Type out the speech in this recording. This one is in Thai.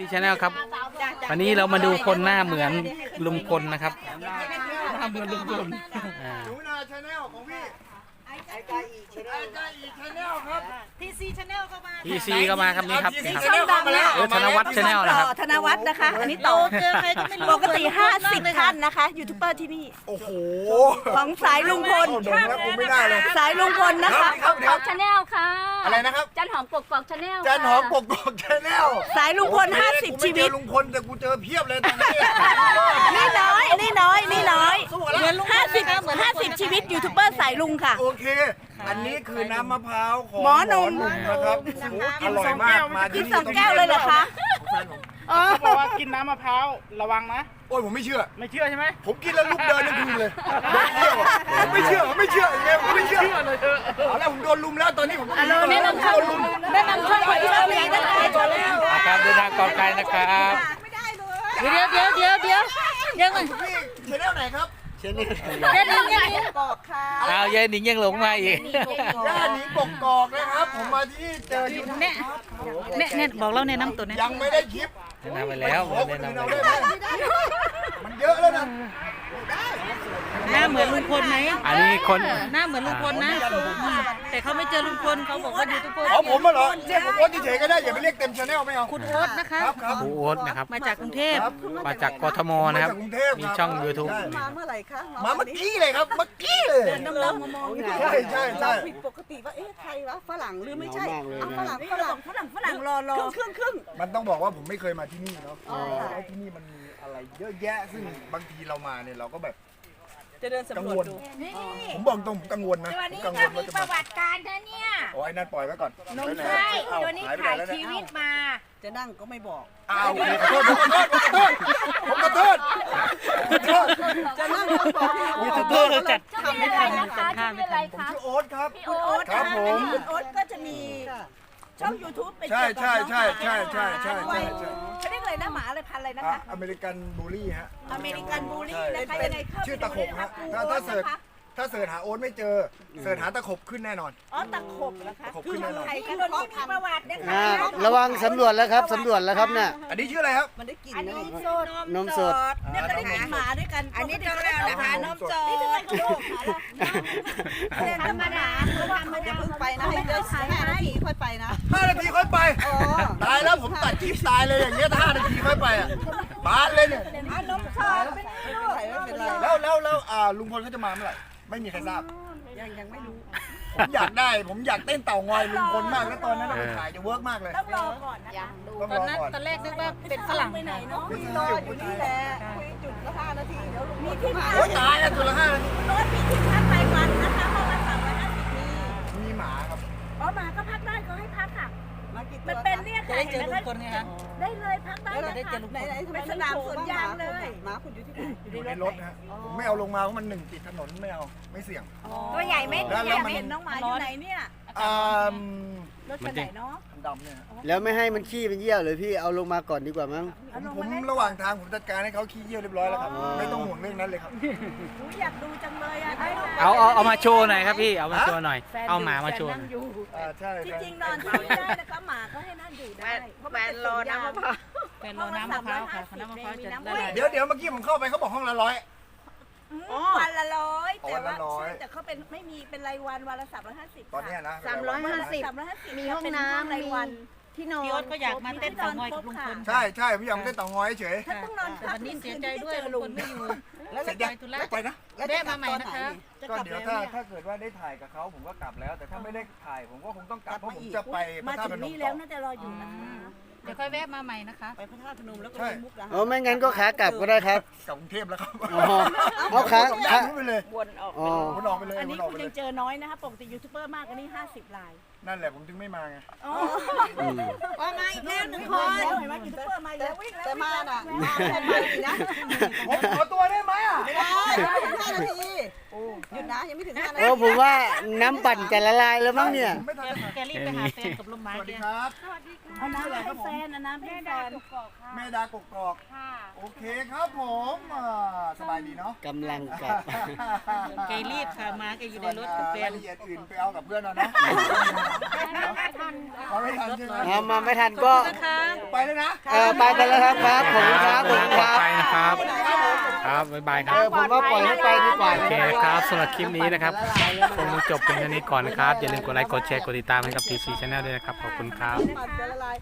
ซีชาแนลครับวันนี้เรามาดูคนหน้าเหมือนลุงพลนะครับหน้าเหมือนลุงพลหนูนาชาแนลของพี่ไอ้กาอีชาแนลครับทีซีชาแนลเข้ามาทีซีก็มาครับนี่ครับนี่ครับช่องดังแล้วธนวัฒน์ชาแนลนะครับธนวัฒน์นะคะอันนี้ต่อเจอใครก็ไม่รู้ปกติ50ท่านนะคะยูทูบเบอร์ที่นี่โอ้โหของสายลุงพลโดนแล้วผมไม่ได้เลยสายลุงพลนะคะครับกอกชาแนลค่ะอะไรนะครับจันหอมกกอกชาแนลจันหอมกกอกชาแนลสายลุงพล50ชีวิตลุงพลแต่กูเจอเพียบเลยตอนนี้นี่น้อย50ชีวิตยูทูบเบอร์สายลุงค่ะโอเค อันนี้คือน้ำมะพร้าวของหมอหนุ่มนะครับอร่อยมากมากิที่นนี่ 2 แก้วเลยเหรอคะเขาบอกว่ากินน้ำมะพร้าวระวังนะโอ้ยผมไม่เชื่อไม่เชื่อใช่ไหมผมกินแล้วลุกเดินทั้งคืนเลยไม่เชื่ออย่างเงี้ยผมไม่เชื่อเอาแล้วผมโดนลุมแล้วตอนนี้ผมแนะนำช่องช่องที่เราเรียนนะคะการเดินทางก่อนไกลนะครับเดี๋ยวพี่ชาแนลไหนครับบอกค่ะเอายายหนิงยังหลงมาอีกย่าหนิงกกอกนะครับผมมาที่เจออยู่เนี่ยบอกเราในน้ำตัวนี้ยังไม่ได้คลิปแนะนำไปแล้วขอคแนะนนำอื่นไปเอาแล้วได้ไหมมันเยอะแล้วนะหน้าเหมือนลุงพลไหมอันนี้คนหน้าเหมือนลุงพลนะแต่เขาไม่เจอลุงพลเขาบอกว่ายูทูบเบอร์เอาผมมาเหรอเรียกผมโอ๊ตเฉยๆก็ได้อย่าไปเรียกเต็มชาแนลไม่เอาคุณโอ๊ตนะคะครับครูโอ๊ตนะครับมาจากกรุงเทพมาจากกทมนะครับมาจากกรุงเทพมีช่อง YouTube มาเมื่อไหร่คะมาเมื่อกี้เลยครับเมื่อกี้เลยน้ำมองใช่ใช่ใช่ผิดปกติว่าเอ๊ะใครวะฝรั่งหรือไม่ใช่ฝรั่งรอครึ่งมันต้องบอกว่าผมไม่เคยมาที่นี่เนาะแล้วที่นี่มันมีอะไรเยอะแยะซึ่งบางทีเรามาเนี่ยเราก็แบบจะเดินกังสำรววลจดูผมบอกตรงผมกังวลนะผมกังวลว่าจะปมาระวัติการนะเนี่ยโอ้ยนั่นปล่อยไว้ก่อนใช่ตัวนี้ถ่ายชีวิตมาจะนั่งก็ไม่บอกอ้าวผมขอโทษจะนั่งก็บอกยูทูบเบอร์เราจัดชื่ออะไรนะคะชื่ออะไรผมคะชื่อโอ๊ตครับพี่โอ๊ตครับผมคุณโอ๊ตก็จะมีช่อง YouTube เป็นใช่เกี่ยวกับใช่ใช่ใช่ใช่ใช่เขาเรียกอะไรนะหมาอะไรพันอะไรนะคะอเมริกันบูลลี่ฮะอเมริกันบูลลี่นะคะยังไงเข้าชื่อตะขบฮะถ้าเสิร์ชหาโอ๊ตไม่เจอเสิร์ชหาตะขบขึ้นแน่นอนอ๋อตะขบนะคะตะขบขึ้นแน่นอนใครที่คนที่มีประวัตินะคะระวังสำรวจแล้วครับสำรวจแล้วครับเนี่ยอันนี้ชื่ออะไรครับมันได้กลิ่นอันนะนี้นมสดเนี่ยก็ได้กลิ่นหมาด้วยกันอันนี้ก็แล้วนะคะนมสดนี่ทำไมเขาโลกหมาล่ะธรรมดาเขาทำมาอย่าเพิ่งไปนะให้เดิน5 นาทีค่อยไปนะ 5 นาทีค่อยไปตายแล้วผมตัดคลิปตายเลยอย่างเงี้ยถ้า5 นาทีค่อยไปอ่ะบานเลยเนี่ยนมสดไม่เป็นไรแล้วลุงพลเขาจะมาเมื่อไหร่ไม่มีใครทราบยังไม่รู้ผมอยากเต้นเต่างอยลุงพลมากแล้วตอนนั้นเราไปถ่ายจะเวิร์กมากเลยต้องรอก่อนนะยังดูต้องตรอนอนั้นก่อนตอนแรกนึกว่าเป็นฝรั่งไปไหนเนาะรออยู่นี่แหละคุยจุดละ5 นาทีเดี๋ยวลุงมีที่พักโอ๊ยตายแล้วตัวละ5 นาทีรถมีที่พักรายวันนะคะห้องละ350 มีหมาครับอ๋อหมาก็พักได้เขาให้พักค่ะมันเป็นเนี่ยค่ะเห็นไหมคะได้เลยพักได้ได้เจอลุงพลเป็นสนามสวนยางเลยหมาคุณอยู่ที่ไหนอยู่ในรถนะฮะผมไม่เอาลงมาเพราะมัน1ติดถนนไม่เอาไม่เสี่ยงตัวใหญ่ไหมแล้วอยากมันเห็นน้องหมาอยู่ไหนเนี่ยอ่ารถคันไหนเนาะดำเนี่ยฮะแล้วไม่ให้มันขี้เป็นเยี่ยวเลยพี่เอาลงมาก่อนดีกว่ามั้งผมระหว่างทางผมจัดการให้เขาขี้เยี่ยวเรียบร้อยแล้วครับไม่ต้องห่วงเรื่องนั้นเลยครับอยากดูจังเลยอ่ะเอามาโชว์หน่อยครับพี่เอามาโชว์หน่อยเอาหมามาโชว์หน่อยใช่จริงๆนอนที่นี่ได้นะคะหมาก็ให้นั่นอยู่ได้แฟนรอน้ำมะพร้าวแฟนรอน้ำมะพร้าวค่ะน้ำมะพร้าวจะได้เดี๋ยวเมื่อกี้ผมเข้าไปเขาบอกห้องละ100 วันละ100แต่ว่าวันละ100 ใช่แต่เขาเป็นไม่มีเป็นรายวันวันละ350 ตอนเนี้ยนะ 350มีห้องน้ำรายวันที่นอนพี่โอ๊ตก็อยากมาเต้นเต่างอยกับลุงพลใช่ผมอยากเต้นเต่างอยเฉยถ้าต้องนอนวันนี้เสียใจด้วยลุงพลไม่อยู่เสร็จยังไปนะได้มาใหม่นะคะก็เดี๋ยวถ้าเกิดว่าได้ถ่ายกับเขาผมก็กลับแล้ว แต่ถ้าไม่ได้ถ่ายผมก็คงต้องกลับเพราะผมจะไปพระมาธาตุถึพงนมนี่ต่แล้วอน่าจะรออยู่นะคะเดี๋ยวค่อยแวะมาใหม่นะคะไปพระธาตุพนมแล้วก็ไปมุกดาหารอ๋อไม่งั้นก็ขากลับก็ได้ครับกลับกรุงเทพแล้วครับอ๋อเอาขาขาไปเลยวนออกอ๋อวนออกไปเลยอันนี้วนออกคุไปณเลยัยงเจอน้อยนะคะปกติยูทูบเบอร์มากกว่านี้50 ลายนั่นแหละผมถึงไม่มาไงว่ามาอีกแล้ว1 คนเห็นไหมยูทูบเบอร์มาแล้วแต่มาน่ะมาอีกนะผมขอตัวได้ไหมอ่ะไม่ได้5 นาทีหยุดนะยังไม่ถึง5 นาโอ้ทีผมว่าน้ำปั่นจะละลายแล้วมั้งเนี่ยไม่ทันแกรีบไปหาแฟนกับลูกไม้สวัสแกดีครับเอาน้ำให้แฟนนะน้ำให้แฟนแม่ดากกอกโอเคครับผมสบายดีเนาะกำลังกลับแกรีบค่ะมาแกอยู่ในรถกับแฟรายนละเอียดอื่นไปเอากับเพื่อนเอาเนาะเอาไม่ทันใช่ไหมเอามาไม่ทันก็ไปแล้วนะไปกันแล้วครับครับผมครับผมปลคอดรับภัยนะครับครับบ๊ายบายครับผมว่าปล่อยให้ไปดีกว่าโอเคครับสำหรับคลิปนี้นะครับคงจบเป็นแค่นี้ก่อนนะครับอย่าลืมกดไลค์กดแชร์กดติดตามให้กับ TC Channel ด้วยนะครับขอบคุณครับปั่นจะละลาย